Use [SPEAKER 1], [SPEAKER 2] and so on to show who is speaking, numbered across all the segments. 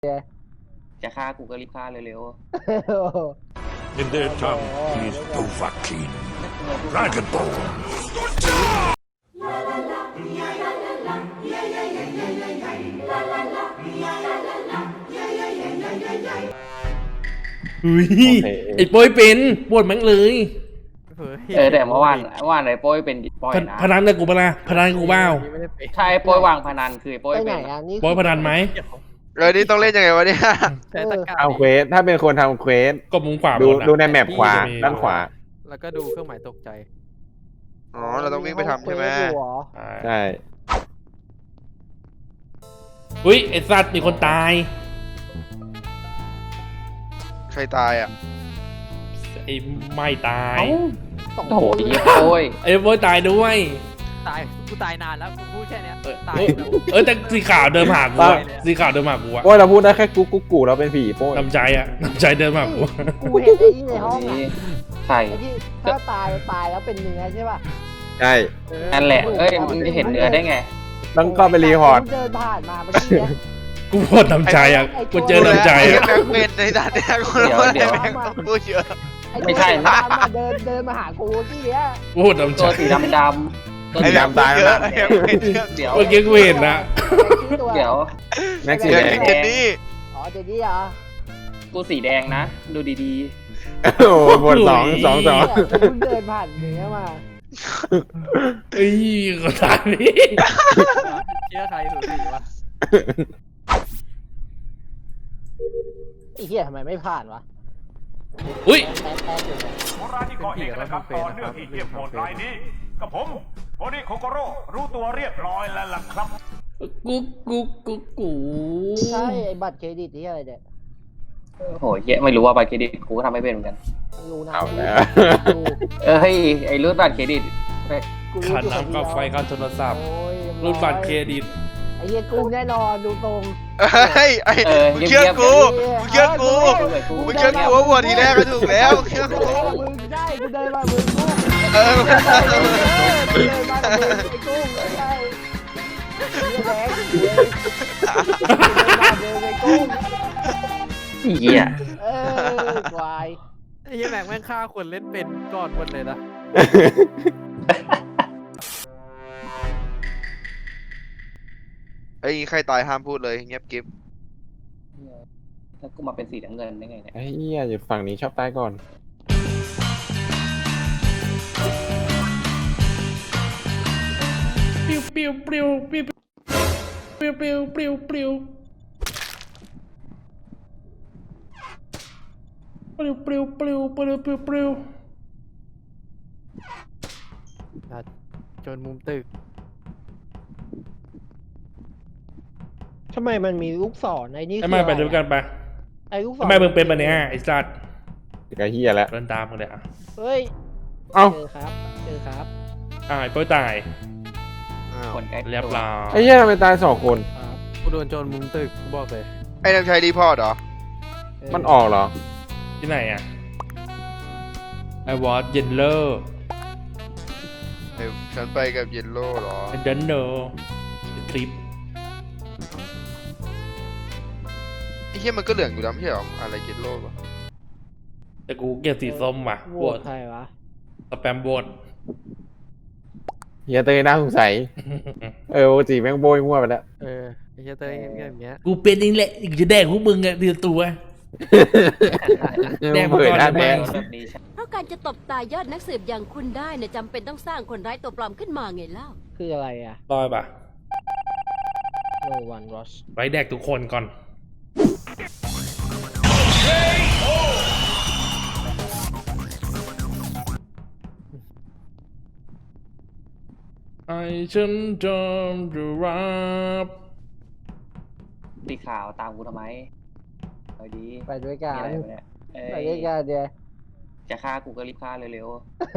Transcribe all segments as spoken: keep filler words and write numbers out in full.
[SPEAKER 1] จะฆ่ากูก็รีบฆ่าเร็ว
[SPEAKER 2] In their tongue, he is Dovahkiin, Dragonborn.
[SPEAKER 3] อุ้ยไอ้โป้ยเป็นปวดมั้งเลย
[SPEAKER 1] ๆเออแต่เมื่อวานเมื่อวานไอ้โป้ยเป็นโป้ยนะ
[SPEAKER 3] พนันกับกูปะล่ะพนันกับกูเปล่า
[SPEAKER 1] ใช่โป้ยวางพนันคือโป้ย
[SPEAKER 4] ไปไหน
[SPEAKER 1] เป็น
[SPEAKER 4] อ่ะนี่
[SPEAKER 3] โป้ยพนันไหม
[SPEAKER 5] เออนี่ต้องเล่นยังไงวะเนี่ย
[SPEAKER 4] ใช้ตะกร้า
[SPEAKER 6] เอาเควสถ้าเป็นคนทำเควส
[SPEAKER 3] ก็มุมขวา
[SPEAKER 6] ดู
[SPEAKER 3] บนอะ
[SPEAKER 6] ดูในแมปขวาด้านขวา
[SPEAKER 7] แล้วก็ดูเครื่องหมายตกใจ
[SPEAKER 5] อ๋อเราต้องวิ่งไปทำใช่ไหม
[SPEAKER 4] ห้องเควสอยู่เหรอ
[SPEAKER 6] ใช่
[SPEAKER 3] อุ้ยไอ้สัตว์มีคนตาย
[SPEAKER 5] ใครตายอ่ะ
[SPEAKER 3] ไอ้ไม่ตาย
[SPEAKER 1] เอ้า
[SPEAKER 4] สอง
[SPEAKER 1] โอ้โห
[SPEAKER 4] คน
[SPEAKER 1] ไอ้โป้ย
[SPEAKER 3] ไอ้โป้ยตายด้วย
[SPEAKER 7] ตาย กูตายนานแล้ว กูพูดแค่เนี้ย
[SPEAKER 3] เออ
[SPEAKER 7] ตาย
[SPEAKER 3] เออเออแต่สีขาวเดินมาหากูอะสีขาวเดินมาหากูอะ
[SPEAKER 6] โอ้ยเราพูดได้แค่กุ๊กกุ๊กกูเราเป็นผีโป้ย
[SPEAKER 3] น้ำใจอะน้ำใจเดินมาหากูอะ
[SPEAKER 4] กูเห็นไอ้นี่ในห้องอ่ะ
[SPEAKER 1] นี่ใช่
[SPEAKER 4] ไอ้ที่ถ้าตายตายแล้วเป็นเนื้อใช่ป่ะ
[SPEAKER 6] ใช่
[SPEAKER 1] นั่นแหละเอ้ยมึงจะเห็นเนื้อได้ไง
[SPEAKER 6] ต้องเข้าไปรีพอร์ต
[SPEAKER 4] กูเดินผ่านมาเมื่อกี้เนี่ย
[SPEAKER 3] กูปวดน้ำใจอะกูเจอน้ำใจ
[SPEAKER 5] ไอ้
[SPEAKER 3] อะ
[SPEAKER 5] แม็กเป็นในด้านเนี้ยกูรู้ว่าไอ้แม็กต้องพูดเยอะ
[SPEAKER 4] อ้
[SPEAKER 1] ไม่ใช่
[SPEAKER 4] ตัวดำอะเดินเดินมาหากูที่เนี้ย
[SPEAKER 3] กูปวดน้ำใจ
[SPEAKER 1] ตัวสีดำๆตัว
[SPEAKER 5] ไอ้
[SPEAKER 1] สี
[SPEAKER 5] แม็ก
[SPEAKER 1] ดำ
[SPEAKER 5] ตายแล้วไอ้แม็กเป็นเยอะ
[SPEAKER 1] เดี๋ยว
[SPEAKER 3] เมื่อกี้กูเห็นนะ
[SPEAKER 1] เดี๋ยว
[SPEAKER 6] แม็กซ์สี
[SPEAKER 5] เดี๋ยว
[SPEAKER 6] แดง
[SPEAKER 5] เจนนี่
[SPEAKER 4] อ๋อเจนี่เหรอ
[SPEAKER 1] กูสีแดงนะ ดูดี
[SPEAKER 6] โอ้โหบทสองสองสอง
[SPEAKER 4] เนี่ยกูเพิ่งเดินผ่านเนื้อมา
[SPEAKER 3] เอ้ยก็ตายนี่
[SPEAKER 7] เชื่อใครถูกสีวะ
[SPEAKER 4] ไอ้เหี้ยทำไมไม่ผ่านวะ
[SPEAKER 3] อุ้ย
[SPEAKER 4] แป๊บแป๊บอยู่เนี่ย
[SPEAKER 2] โบราณที่ก่อเหตุนะครับต่อเนื่องที่เยี่ยมโหดรายนี้กับผมโอริโคโกโร่รู้ตัวเรียบร้อยแล้วล่ะครับ
[SPEAKER 3] กูกูกูกู
[SPEAKER 4] ใช่ไอ้บัตรเครดิตที่อะไรเนี่ย
[SPEAKER 1] ๆโอ้โหเหี้ยไม่รู้ว่าบัตรเครดิตกูก็ทำไม่เป็นเหมือนกัน
[SPEAKER 4] รู้นะ
[SPEAKER 6] เอาแล้ว
[SPEAKER 4] กู
[SPEAKER 1] เออเฮ้ยไอ้รูดบัตรเครดิตไป
[SPEAKER 4] กูรู้
[SPEAKER 3] ขาด
[SPEAKER 4] อยู่
[SPEAKER 3] น้ำกับไฟค่าโทรศัพท์
[SPEAKER 4] โอ้ย
[SPEAKER 3] รูดบัตรเครดิต
[SPEAKER 4] ไอ้เหี้ยกุ้งแน่นอนดูตรง
[SPEAKER 5] เฮ้ยไอ้
[SPEAKER 1] เออ
[SPEAKER 5] มึงเชื่อกูมึงเชื่อกู
[SPEAKER 1] กู
[SPEAKER 5] มึงเชื่อกูว่าวัวทีแรกก็ถูกแล้วเชื่อกู
[SPEAKER 4] มึงได้กูเดินมามึงกุ้ง
[SPEAKER 5] เออ
[SPEAKER 4] เดินมามึงไอ้กุ้งใช่แดงเดินมาเดินไอ้กุ้ง
[SPEAKER 1] เหี้ย
[SPEAKER 4] เออควาย
[SPEAKER 7] ไอ้เหี้ยแม็กแม่งฆ่าคนเล่นเป็นก่อนหมดเลยนะ
[SPEAKER 5] ไอ้ใครตายห้ามพูดเลยเงียบกิ๊บ
[SPEAKER 1] แล้วกูมาเป็นสีน้ำเงินได้ไงเนี่ย
[SPEAKER 6] ไอ้เหี้ยอยู่ฝั่งนี้ชอบตายก่อน
[SPEAKER 3] ปิ้วปิ้วปิ้วปิ้วปิ้วปิ้วปิ้วปิ้วปิ้วปิ้วปิ้วปิ้วปิ้วปิ้ว
[SPEAKER 7] จนมุมตึก
[SPEAKER 4] ทำไมมันมีลูกศรไอ้นี่
[SPEAKER 3] ทำไมไปด้วยกันไป
[SPEAKER 4] ไอ้ลูกศร
[SPEAKER 3] ทำไมมึงเป็นแบบนี้ไอ้สัตว์
[SPEAKER 6] ก็เหี้ยแล้ว
[SPEAKER 3] เดินตามมึงเลยอ่ะ
[SPEAKER 4] เฮ้ย
[SPEAKER 6] เอ้า
[SPEAKER 4] เจอครับเจอครับ
[SPEAKER 3] อ่าไอ้โป้ยตาย
[SPEAKER 5] อ้าว
[SPEAKER 1] คนใกล้ตัว
[SPEAKER 3] เรียบร้อย
[SPEAKER 6] ไอ้เหี้ยทำไมตายสองคน
[SPEAKER 4] ครับ
[SPEAKER 7] กูโดนโจรมุมตึกกูบอกเลย
[SPEAKER 5] ไอ้นำชัยรีพอร์ตเหรอ
[SPEAKER 4] เออ
[SPEAKER 6] มันออกเหรอ
[SPEAKER 3] ที่ไหนอ่ะไอ้วอตเยนเลอร์
[SPEAKER 5] เดี๋ยวฉันไปกับเยลโล่เหรอ
[SPEAKER 3] ไอ้เดนโนทริป
[SPEAKER 5] ไอ้เหี้ยมันก็เหลืองอยู่แล้วไม่ใช่เหรออะไรเยลโล่ปะ
[SPEAKER 3] แต่กูเกลียดสีส้มว่ะ
[SPEAKER 4] โห
[SPEAKER 3] ป
[SPEAKER 4] ว
[SPEAKER 3] ว
[SPEAKER 4] ต
[SPEAKER 3] ด
[SPEAKER 4] ใครวะ
[SPEAKER 3] สแปมโบด
[SPEAKER 6] เฮียเตยน่าสงสัย เออปกติแม่งโบยมั่วไปแล้ว
[SPEAKER 7] เออ ไอ้เหี้ยเต้ยเงียบๆอย่างเงี้ย
[SPEAKER 3] กูเป็นเองแหละอีกจะแดกพวกมึงอะเดือดตัว แดงมา
[SPEAKER 6] เปิด
[SPEAKER 3] ก่อน
[SPEAKER 6] หน้า
[SPEAKER 3] ทำไม
[SPEAKER 6] แดง
[SPEAKER 1] แบบนี้ใช่
[SPEAKER 8] เพราะการจะตบตายอดนักสืบอย่างคุณได้เนี่ยจำเป็นต้องสร้างคนร้ายตัวปลอมขึ้นมาไงเล่า
[SPEAKER 4] คืออะไรอ่ะ
[SPEAKER 3] รอยปะ
[SPEAKER 4] no one rush
[SPEAKER 3] ไว้แดกทุกคนก่อนไอฉันจำจะรับ
[SPEAKER 1] สีขาวตามกูทำไมเอาดี
[SPEAKER 4] ไปด้วยกั
[SPEAKER 1] มี
[SPEAKER 4] น
[SPEAKER 1] อะไรวะเนี่ยเอ้
[SPEAKER 4] ไปด้วย
[SPEAKER 1] ย
[SPEAKER 4] กันเดียว
[SPEAKER 1] จะฆ่ากูก็รีบฆ่าเร็ว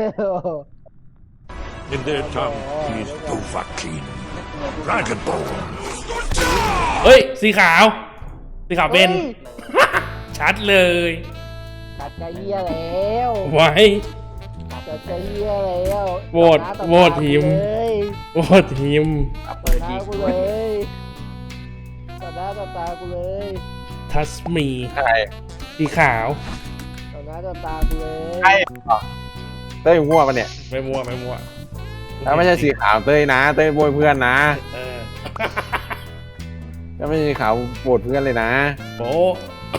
[SPEAKER 2] In their tongue, he is Dovahkiin, Dragonborn.
[SPEAKER 3] เฮ้ย สีขาว สีขาวเป็น
[SPEAKER 4] ฮ้ย
[SPEAKER 3] ชัดเลย
[SPEAKER 4] ตัดกระเฮียแล้ว
[SPEAKER 3] ไว้
[SPEAKER 4] ตัดกระเฮียแล้ว
[SPEAKER 3] โหวต
[SPEAKER 4] ต่อน้าต่อ
[SPEAKER 3] โหวต
[SPEAKER 4] ตา
[SPEAKER 3] ทีม
[SPEAKER 4] กูเลย
[SPEAKER 3] โอ้ทีม
[SPEAKER 1] ๆเอา
[SPEAKER 4] ต่
[SPEAKER 1] เปิ
[SPEAKER 4] อ
[SPEAKER 1] ด
[SPEAKER 4] หน้า
[SPEAKER 1] ดี
[SPEAKER 4] กูเลยต่อหน้าต่อตากูเลย
[SPEAKER 3] ทัสมี
[SPEAKER 6] ใช่
[SPEAKER 3] สีขาว
[SPEAKER 4] ต่อหน้าต่อตากูเลย
[SPEAKER 6] ใช่เต้ยมั่วปะเนี่ย
[SPEAKER 3] ไม่มั่วไม่มั่ว
[SPEAKER 6] ถ้าไม่ใช่สีขาวเต้ยนะ เต้ยโบยเพื่อนนะ
[SPEAKER 3] เออ
[SPEAKER 6] ถ้าไม่ใช่สีขาวโบดเพื่อนเลยนะ
[SPEAKER 3] โป๊ะ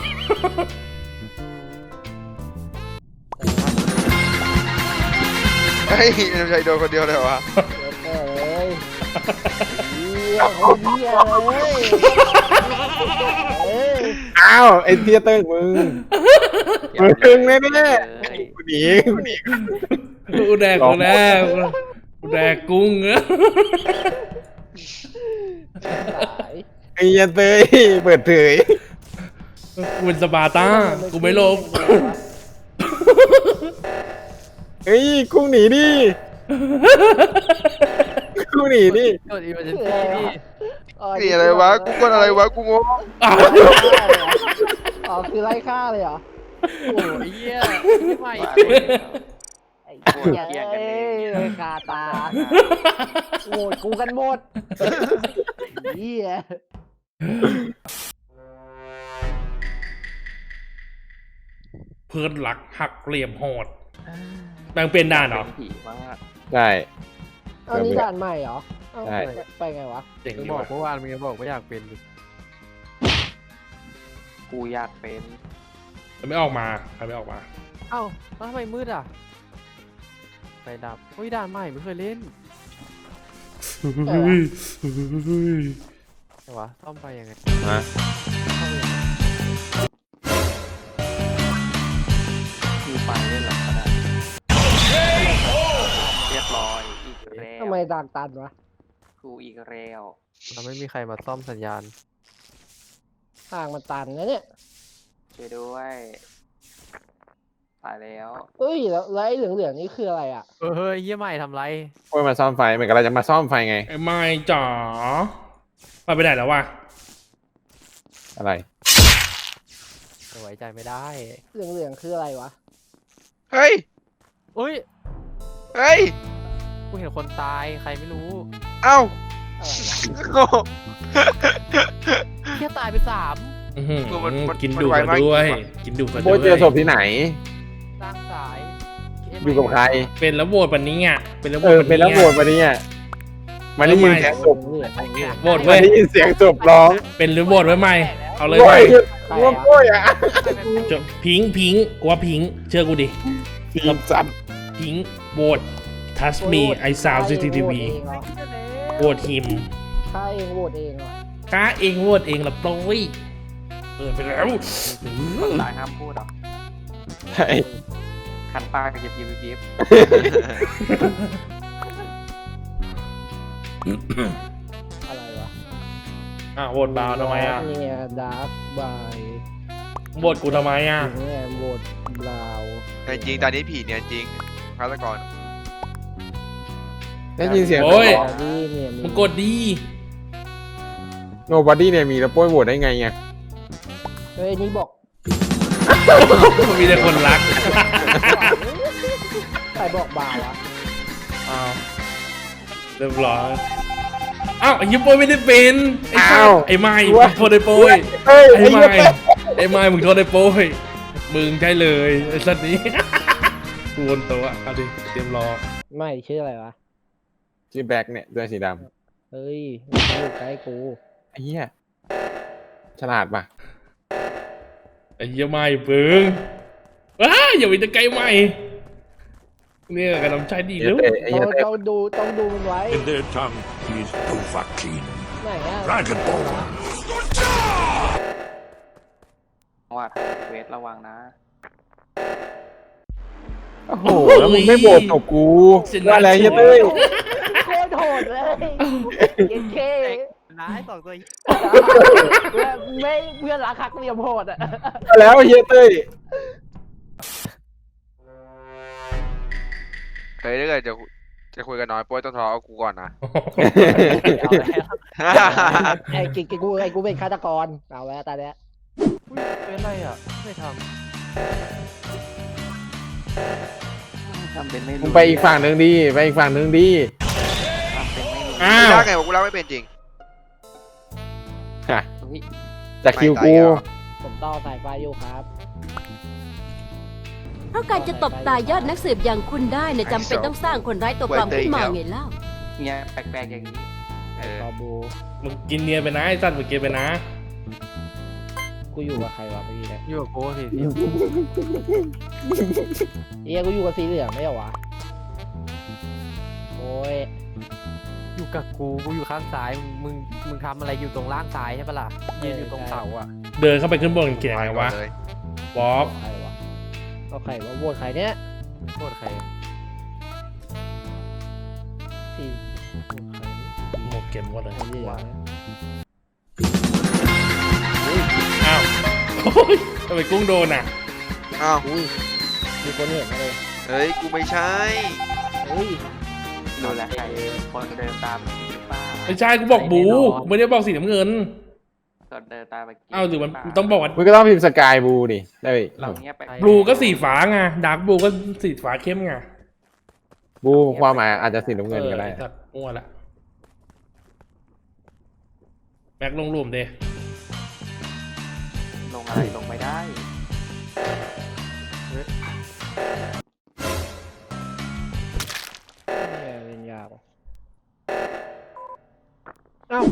[SPEAKER 5] เฮ้ยนำชัยโดนคนเดียวเลยวะ
[SPEAKER 4] เดี๋ยวแม่เลยเหี้ยคนเหี้ยเลยเอ้ย
[SPEAKER 6] อ้าวไอ้เทียเต้ยมึงมึงแน่แน่ๆกูหนีกูหนี
[SPEAKER 3] กูแดกกูแดกกูแดกกุ้งเนอะ
[SPEAKER 4] สาย
[SPEAKER 6] ไอ้เหี้ยเต้ยเปิดเผย
[SPEAKER 3] กูเป็นสปาร์ต้ากูไม่ลบ
[SPEAKER 6] เฮ้ยกุ้งหนีดิกุ้งหนีดิ
[SPEAKER 7] กดอีเมอร์เจน
[SPEAKER 4] คือ
[SPEAKER 7] ซี่
[SPEAKER 4] อะไร
[SPEAKER 7] พี่
[SPEAKER 4] วะ
[SPEAKER 5] นี่อะไรวะกูกดอะไรวะกูงง
[SPEAKER 4] อ๋อคือไล่ฆ่าเลยเหรอ
[SPEAKER 7] โอ้ยเหี้ยไม่ไหว
[SPEAKER 4] ไอ้เหี้ยเอ้ยคาตาโหวตกูกันหมดเหี้ย
[SPEAKER 3] เพื่อนหลักหักเหลี่ยมโหดแบ่งเป็นด่านเหรอ
[SPEAKER 6] ใช่
[SPEAKER 4] เอานี่ด่านใหม่เหรอเอ้า
[SPEAKER 6] ใช่
[SPEAKER 4] ไปไงวะ
[SPEAKER 3] เจ๋ง
[SPEAKER 7] มึง
[SPEAKER 3] ดี
[SPEAKER 7] บอก
[SPEAKER 3] ว่ะ
[SPEAKER 7] เมื่อวานมึงยังบอกไม่อยากเป็นดิ
[SPEAKER 1] กูอยากเป็น
[SPEAKER 3] มันไม่ออกมาใครไม่ออกมา
[SPEAKER 7] เอ้าแล้วทำไมมืดอ่ะไฟดับเฮ้ยด่านใหม่ไม่เคยเล่นแต่วะซ่อมไฟยังไง
[SPEAKER 6] ฮะ
[SPEAKER 7] ซ่อมยังไง
[SPEAKER 1] กูไปเล่นหลังก็ได้เรียบร้อยอีกแล้ว
[SPEAKER 4] ทำไมด่านตันวะ
[SPEAKER 1] กูอีกแล้ว
[SPEAKER 7] เราไม่มีใครมาซ่อมสัญญาณ
[SPEAKER 4] ทางมันตันนะเนี่ย
[SPEAKER 1] ช่วยด้วยตายแล้ว
[SPEAKER 4] เอ้ยแล้วแล้วไอ้เหลืองๆนี่คืออะไรอ่ะ
[SPEAKER 7] เออเฮ้ยเยี่ยใหม่ทำไร
[SPEAKER 6] โอ้ยมาซ่อมไฟเหมือนกับเราจะมาซ่อมไฟไง
[SPEAKER 3] ไอ้ไม่จ๋าไปไปไหนแล้ววะ
[SPEAKER 6] อะไร
[SPEAKER 7] ไว้ใจไม่ได้
[SPEAKER 4] เหลืองๆคืออะไรวะ
[SPEAKER 5] เฮ้ย
[SPEAKER 7] อุ้ย
[SPEAKER 5] เฮ้ย
[SPEAKER 7] กูเห็นคนตายใครไม่รู้
[SPEAKER 5] เอ้า
[SPEAKER 4] อะไรวะ
[SPEAKER 5] โง่
[SPEAKER 7] แค่ตายไปสาม
[SPEAKER 3] อื้อหือ
[SPEAKER 5] คือมันมัน
[SPEAKER 3] กิน
[SPEAKER 5] มัน
[SPEAKER 3] ดุ
[SPEAKER 5] ไว
[SPEAKER 3] มา
[SPEAKER 5] มาก
[SPEAKER 3] ด้วย
[SPEAKER 5] จริงว่ะ
[SPEAKER 3] กินดุมา
[SPEAKER 6] โบ
[SPEAKER 3] ด้วย
[SPEAKER 6] เจอศพที่ไหน
[SPEAKER 7] สร้างสาย
[SPEAKER 6] อยู่กับใคร
[SPEAKER 3] เป็นแล้วโหวตปันนี้อ่ะเป็นแล้วโหว
[SPEAKER 6] เอ
[SPEAKER 3] ต
[SPEAKER 6] อ เป็นแล้วโหวตมาเนี่ยมันได้ยินเสียงศพ
[SPEAKER 4] เหลืองๆเนี่ย
[SPEAKER 3] โหวต
[SPEAKER 6] มั
[SPEAKER 3] เว้
[SPEAKER 6] น
[SPEAKER 3] ย
[SPEAKER 6] ได้ยินเสียงศพร้อง
[SPEAKER 3] เป็นหรือโหวตไว้ใหม่เอาเลย
[SPEAKER 6] โอ้
[SPEAKER 3] ไหม
[SPEAKER 6] ย
[SPEAKER 4] ใคร
[SPEAKER 6] ร่วม
[SPEAKER 4] อะ
[SPEAKER 6] โอ้ยอ่ะ
[SPEAKER 3] จบพิงค์พิงค์กูว่าพิงค์เชื่อกูดิ
[SPEAKER 6] ทีมจัด
[SPEAKER 3] พิงค์โหวตทัสมีไอซาวซีทีทีวีโหวตฮิม
[SPEAKER 4] ฆ่าเองโหวตเองเหรอ
[SPEAKER 3] ก้าเองโหวตเองละโปรยเออไปแล้ว
[SPEAKER 1] ตายห้ามพูดหรอก
[SPEAKER 6] ใช่
[SPEAKER 1] คันปากกับยิบยิบยิบยิบ
[SPEAKER 4] อะไรวะ
[SPEAKER 3] อ่ะโหวตบาวทำไมอ่ะ
[SPEAKER 4] เนี่ยดาร์กบาย
[SPEAKER 3] โหวตกูทำไมอ่ะ
[SPEAKER 4] เนี่ยโหวตบราวน์
[SPEAKER 5] แต่จริงตอนนี้ผีเนี่ยจริงฆาตกร
[SPEAKER 6] ได้ยินเสียง
[SPEAKER 3] โอ้ย
[SPEAKER 4] บอดี้เนี่ยมี
[SPEAKER 3] มึงกดดี
[SPEAKER 6] โนบอดี้เนี่ยมีแล้วโป้ยโหวตได้ไงไง
[SPEAKER 4] เฮ้ยนี่บอก
[SPEAKER 3] มีแต่คนรัก
[SPEAKER 4] ใครบอกบาร์วะ
[SPEAKER 3] อ้าวเรียบร้อยอ้าวไอ้ยิปโป้ยไม่ได้เป็นไอ้สั
[SPEAKER 6] อ้า
[SPEAKER 3] ส
[SPEAKER 6] ว
[SPEAKER 3] ไอ้ไม้มึงโทษไอ้โป้ย
[SPEAKER 6] เฮ้ย
[SPEAKER 3] ไอ้
[SPEAKER 6] ไอ้
[SPEAKER 3] ไม้
[SPEAKER 6] เหี้ย
[SPEAKER 3] ไอ้ไม้มึงโทษไอ้โป้ยมึงใช่เลยไอ้สัตว์นี้ กูวนตัวเอาดิเตรียมรอ
[SPEAKER 4] ไม่ชื่ออะไรวะ
[SPEAKER 6] ชื่อแบ็คเนี่ยเสื้อสีด
[SPEAKER 4] เฮ้ยมันอยู่ใกล้กู
[SPEAKER 6] ำไอ้เหี้ยฉลาดป่ะ
[SPEAKER 3] ไอ้เหี้ยไม้เบิ้งว้าอย่าไปตะไกลไม้เนี่ยกำลังใจดี
[SPEAKER 6] ไอ้
[SPEAKER 3] แล้
[SPEAKER 6] เหี้ยว เต้ไอ้
[SPEAKER 4] ต้
[SPEAKER 6] เหี้
[SPEAKER 4] อย ง
[SPEAKER 6] เต้
[SPEAKER 4] ต้องดูต้องดูมันไว้
[SPEAKER 2] In their tongue is Dovahkiin.
[SPEAKER 4] ไหนอะ
[SPEAKER 2] Dragon Ball.
[SPEAKER 1] ว่าเวทระวังนะ
[SPEAKER 6] โอ้โหแล้วมึงไม่โหวตกับกูว่าอะไรเหี้ยเต้ย
[SPEAKER 4] โคตรโหดเลยเย็นเค
[SPEAKER 7] ร้ายสองตัว
[SPEAKER 4] เพื่อนไม่เพื่อนรักหักเหลี่ยมโหดอ่ะ
[SPEAKER 6] แล้วเหี้ยเต้ย
[SPEAKER 5] เฮ้ยถ้าเกิดจะจะคุยกันน้อยโป้ยต้องทะเลาะกับกูก่อนนะ
[SPEAKER 4] เอาแล้วไอ้กิกกูไอ้กูเป็นฆาตกรเอาแล้วตาเนี้ย
[SPEAKER 7] อุ้ยเป็นไรอ่ะไม่ท
[SPEAKER 1] ทำเป็นไม่รู้
[SPEAKER 6] มึงไปอีกฝั่งหนึ่งดีไปอีกฝั่งหนึ่งดี
[SPEAKER 1] ทำเป็นไม่รู้
[SPEAKER 3] อ้า
[SPEAKER 5] ไม่
[SPEAKER 3] ว
[SPEAKER 5] ได้ไงวะกูเล่าไม่เป็นจริง
[SPEAKER 6] ฮะ
[SPEAKER 1] เฮ้ย
[SPEAKER 6] จากคิวกู
[SPEAKER 5] ไม่ตายเหรอ
[SPEAKER 4] ผมต่อสายไฟอยู่ครับ
[SPEAKER 8] เพราะการจะตบตายยอดนักสืบอย่างคุณได้เนี่ยจำเป็นต้องสร้างคนร้ายตัวปลอมขึ้นมาไงเล่า
[SPEAKER 9] เนี่ยแปลกๆอย่างนี้ เออ
[SPEAKER 4] ต่อบู
[SPEAKER 3] มึงกินเนียนไปนะไอ้สัตว์มึงกินไปนะ
[SPEAKER 4] กูอยู่กับใครวะเมื่อกี้เนี่ย
[SPEAKER 7] อยู่กับกูสิ
[SPEAKER 4] เอ้ยกูอยู่กับสีเหลืองไม่เหรอวะโอ้ย
[SPEAKER 7] อยู่กับกูกูอยู่ข้างซ้ายมึงมึงทำอะไรอยู่ตรงล่างซ้ายใช่ปะล่ะยืนอยู่ตรงเสาอ่ะ
[SPEAKER 3] เดินเข้าไปขึ้นบนเกียร์ไงวะ
[SPEAKER 5] เลย
[SPEAKER 3] บ๊อบ
[SPEAKER 4] ใครวะก็ใครวะโหวตใครเนี่ย
[SPEAKER 7] โทษใคร
[SPEAKER 4] สีโหวตใคร
[SPEAKER 3] หมดเกมหมดเลย
[SPEAKER 4] สีเหลือง
[SPEAKER 3] อ้าวโอ้ยทำไมกุ้งโดนอ่ะ
[SPEAKER 5] อ้าว
[SPEAKER 4] อุ้ยมีคนเห็นมาเลย
[SPEAKER 5] เฮ้ย กูไม่ใช่
[SPEAKER 4] เฮ้ย
[SPEAKER 9] ดูแลใครคนเดินตามหรือเปล่า
[SPEAKER 3] ไม่ใช่กูบอกบูกูไม่ได้บอกสีน้ำเงิน
[SPEAKER 9] คนเดินตามไป
[SPEAKER 3] อ้าวหรือมันต้องบอกว่า
[SPEAKER 6] มึงก็ต้องพิมพ์สกายบูดิได้อีก
[SPEAKER 9] เราเนี้ยไป
[SPEAKER 3] บลูก็สีฟ้าไงดาร์กบลูก็สีฟ้าเข้มไง
[SPEAKER 6] บูความหมายอาจจะสีน้ำเงินก็ได้
[SPEAKER 3] อออ้สัตว์มั่วละแม็กลงรวมเด
[SPEAKER 9] ลงอะไรลงไม่ได้
[SPEAKER 4] เนี่ยเล่นยากว่ะเอ้า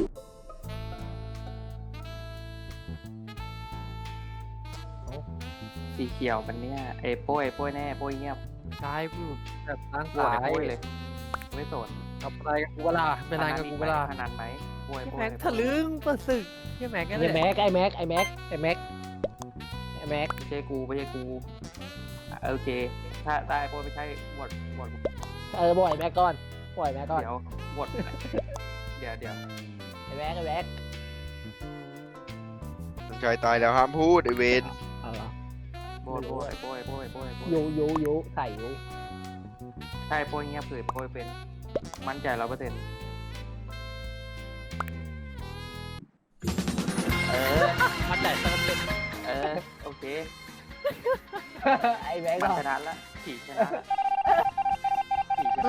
[SPEAKER 9] สีเขียวมันเนี่ยเอ้ยโป้ยโป้ยแน่โป้ยเงียบ
[SPEAKER 7] ซ้ายกูแบบล่าง
[SPEAKER 9] โป้ย
[SPEAKER 7] ซ้าย
[SPEAKER 9] โป้ยเลย ไม่สน
[SPEAKER 7] ทำอะไรกับกูเวลาเป็นอะไรกับกูเวลา
[SPEAKER 9] พนันไหมโป้ยโป้ย
[SPEAKER 7] แม็กทะลึ่งเปิดศึกเฮียแม็กกันเล
[SPEAKER 4] ไอ้
[SPEAKER 7] ย
[SPEAKER 4] แม็กไอ้แม็กไอ้แม็กไอ้แม็กไอ้แม็ก
[SPEAKER 9] ไม่ใช่กูไม่ใช่กูอ่ะโอเค ถ้าได้โป้ยไม่ใช่หมดหมด
[SPEAKER 4] เออบ่อยแม็กก่อนบ่อยแม็กก่อน
[SPEAKER 9] เดี๋ยวหมดเดี๋ยวเดี๋ยว
[SPEAKER 4] ไอ้แม็กไอ้แม็ก
[SPEAKER 5] น้องชายตายแล้วห้ามพูดไอเวน
[SPEAKER 4] เอาเหรอ
[SPEAKER 9] โป้ยโป้ยโป้ยโป้ยโป้ยโป้ย
[SPEAKER 4] ยูยูยูใส่ยู
[SPEAKER 9] ใช่โป้ยเงียบคือโป้ยเป็นมั่นใจร้อยเปอร์เซ็นต์เออ
[SPEAKER 7] มันแต่เติมเป็น
[SPEAKER 9] เออโอเค
[SPEAKER 4] ไอ้แม็ก
[SPEAKER 9] มัน
[SPEAKER 4] ก่อ
[SPEAKER 9] ช
[SPEAKER 4] น
[SPEAKER 9] นะละขี่ชนะขี่ชนะ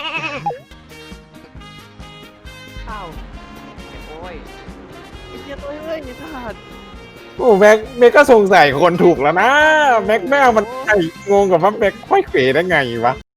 [SPEAKER 7] อ้าว
[SPEAKER 9] โอ้ย
[SPEAKER 7] ไอ้เฮียตัวเอ้ยไอ้สัตว์
[SPEAKER 6] โอ้แม็กแม็กก็สงสัยคนถูกแล้วนะ แม็กแม่งมันไอ้งงกับว่าแม็กค่อยเขวได้ไงวะ